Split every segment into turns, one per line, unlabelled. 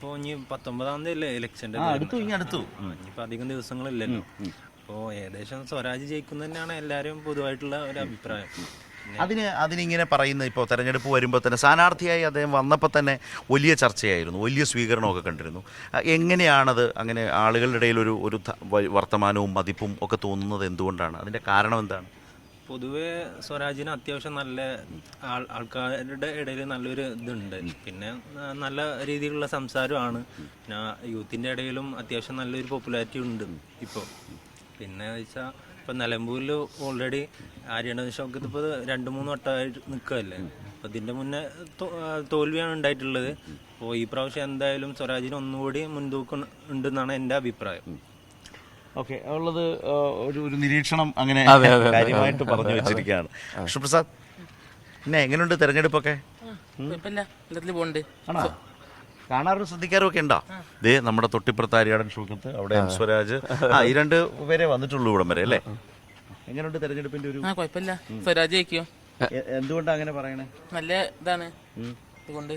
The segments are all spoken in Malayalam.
ഇപ്പോൾ ഇനി 19-ാം തീയതി അല്ലേ ഇലക്ഷൻ്റെ ഇനിയിപ്പോൾ അധികം ദിവസങ്ങളില്ലല്ലോ. അപ്പോൾ ഏകദേശം സ്വരാജ് ജയിക്കും തന്നെയാണ് എല്ലാവരും പൊതുവായിട്ടുള്ള ഒരു അഭിപ്രായം.
അതിനിങ്ങനെ പറയുന്നത് ഇപ്പോൾ തെരഞ്ഞെടുപ്പ് വരുമ്പോൾ തന്നെ സ്ഥാനാർത്ഥിയായി അദ്ദേഹം വന്നപ്പോൾ തന്നെ വലിയ ചർച്ചയായിരുന്നു, വലിയ സ്വീകരണമൊക്കെ കണ്ടിരുന്നു. എങ്ങനെയാണത് അങ്ങനെ ആളുകളുടെ ഇടയിൽ ഒരു വർത്തമാനവും മതിപ്പും ഒക്കെ തോന്നുന്നത് എന്തുകൊണ്ടാണ്? അതിൻ്റെ കാരണം എന്താണ്?
പൊതുവെ സ്വരാജിന് അത്യാവശ്യം നല്ല ആൾക്കാരുടെ ഇടയിൽ നല്ലൊരു ഇതുണ്ട്. പിന്നെ നല്ല രീതിയിലുള്ള സംസാരമാണ്. പിന്നെ യൂത്തിൻ്റെ ഇടയിലും അത്യാവശ്യം നല്ലൊരു പോപ്പുലാരിറ്റി ഉണ്ട് ഇപ്പോൾ. പിന്നെ വെച്ചാൽ ഇപ്പം നിലമ്പൂരിൽ ഓൾറെഡി ആര്യണ ഷൗക്കത്ത് ഇപ്പോൾ 2-3 വട്ടമായിട്ട് നിൽക്കുകയല്ലേ. അപ്പം ഇതിൻ്റെ മുന്നേ തോൽവിയാണ് ഉണ്ടായിട്ടുള്ളത്. അപ്പോൾ ഈ പ്രാവശ്യം എന്തായാലും സ്വരാജിന് ഒന്നുകൂടി മുൻതൂക്കം ഉണ്ടെന്നാണ് എൻ്റെ അഭിപ്രായം.
ഓക്കെ, ഉള്ളത് ഒരു നിരീക്ഷണം അങ്ങനെ കാര്യമായിട്ട് പറഞ്ഞു വെച്ചിരിക്കുകയാണ്. കൃഷ്ണപ്രസാദ്, പിന്നെ എങ്ങനെയുണ്ട് തെരഞ്ഞെടുപ്പൊക്കെ? ആണോ? കാണാറും ശ്രദ്ധിക്കാറും ഒക്കെ ഉണ്ടോ? ദേ നമ്മുടെ തൊട്ടിപ്പുറത്ത് ആര്യാടൻ ഷൗക്കത്ത്, അവിടെ സ്വരാജ്, ഈ 2 പേരെ വന്നിട്ടുള്ളൂ ഇവിടം വരെ അല്ലേ? എങ്ങനെയുണ്ട് തെരഞ്ഞെടുപ്പിന്റെ ഒരു?
കുഴപ്പമില്ല, സ്വരാജ് ജയിക്കും.
എന്തുകൊണ്ടാണ് അങ്ങനെ പറയണേ?
നല്ല ഇതാണ് അതുകൊണ്ട്.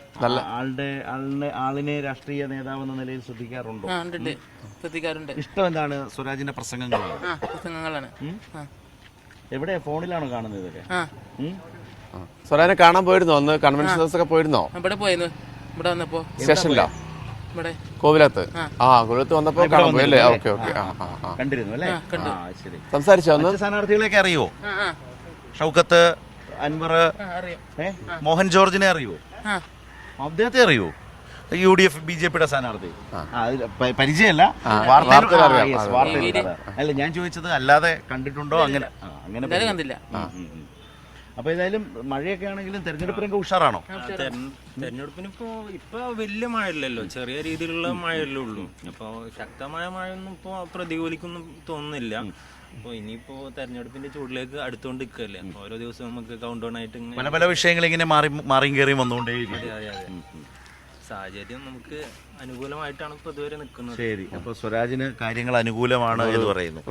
ആളിനെ രാഷ്ട്രീയ നേതാവെന്ന നിലയിൽ ശ്രദ്ധിക്കാറുണ്ടോ?
ശ്രദ്ധിക്കാറുണ്ട്.
ഇഷ്ടം എന്താണ്? സ്വരാജിന്റെ
പ്രസംഗങ്ങളാണ്.
എവിടെ, ഫോണിലാണോ കാണുന്നത് ഇതൊക്കെ?
സ്വരാജിനെ കാണാൻ പോയിരുന്നോ? അന്ന് കൺവെൻഷൻ ഒക്കെ പോയിരുന്നോ?
ഇവിടെ പോയിരുന്നു. ഇവിടെ വന്നപ്പോ
സ്റ്റേഷനിലോ?
ഇവിടെ
കോവിലത്ത്. കോവിലത്ത് വന്നപ്പോ കാണാൻ പോയി അല്ലേ? ഓക്കെ ഓക്കെ,
കണ്ടിരുന്നു അല്ലേ?
സംസാരിച്ചോ? അന്ന്
സ്ഥാനാർത്ഥികളെയൊക്കെ അറിയോ? ഷൗക്കത്ത്, അൻവർ, മോഹൻ ജോർജിനെ അറിയോ? അദ്ദേഹത്തെ അറിയോ? UDF BJP സ്ഥാനാർത്ഥി പരിചയമല്ല, അല്ല ഞാൻ ചോദിച്ചത് അല്ലാതെ കണ്ടിട്ടുണ്ടോ? അങ്ങനെ
കണ്ടില്ല.
അപ്പൊ ഏതായാലും മഴയൊക്കെ ആണെങ്കിലും തെരഞ്ഞെടുപ്പ് രംഗം ഉഷാറാണോ?
തെരഞ്ഞെടുപ്പിന് ഇപ്പൊ വലിയ മഴയില്ലല്ലോ, ചെറിയ രീതിയിലുള്ള മഴയല്ലേ ഉള്ളൂ. അപ്പൊ ശക്തമായ മഴയൊന്നും ഇപ്പൊ പ്രതികൂലിക്കൊന്നും തോന്നുന്നില്ല. അപ്പോൾ ഇനിയിപ്പോ തെരഞ്ഞെടുപ്പിന്റെ ചൂടിലേക്ക് അടുത്തുകൊണ്ട് നിൽക്കല്ലേ. ഓരോ ദിവസവും നമുക്ക് കൗണ്ട് ഡൗൺ ആയിട്ട്
പല വിഷയങ്ങൾ ഇങ്ങനെ മാറിയും കയറിയും വന്നുകൊണ്ടേയിരിക്കും.
സാഹചര്യം നമുക്ക് അനുകൂലമായിട്ടാണ് ഇപ്പൊ ഇതുവരെ നിൽക്കുന്നത്.
ശരി, അപ്പൊ സ്വരാജിന് കാര്യങ്ങൾ അനുകൂലമാണ് എന്ന് പറയുന്നു.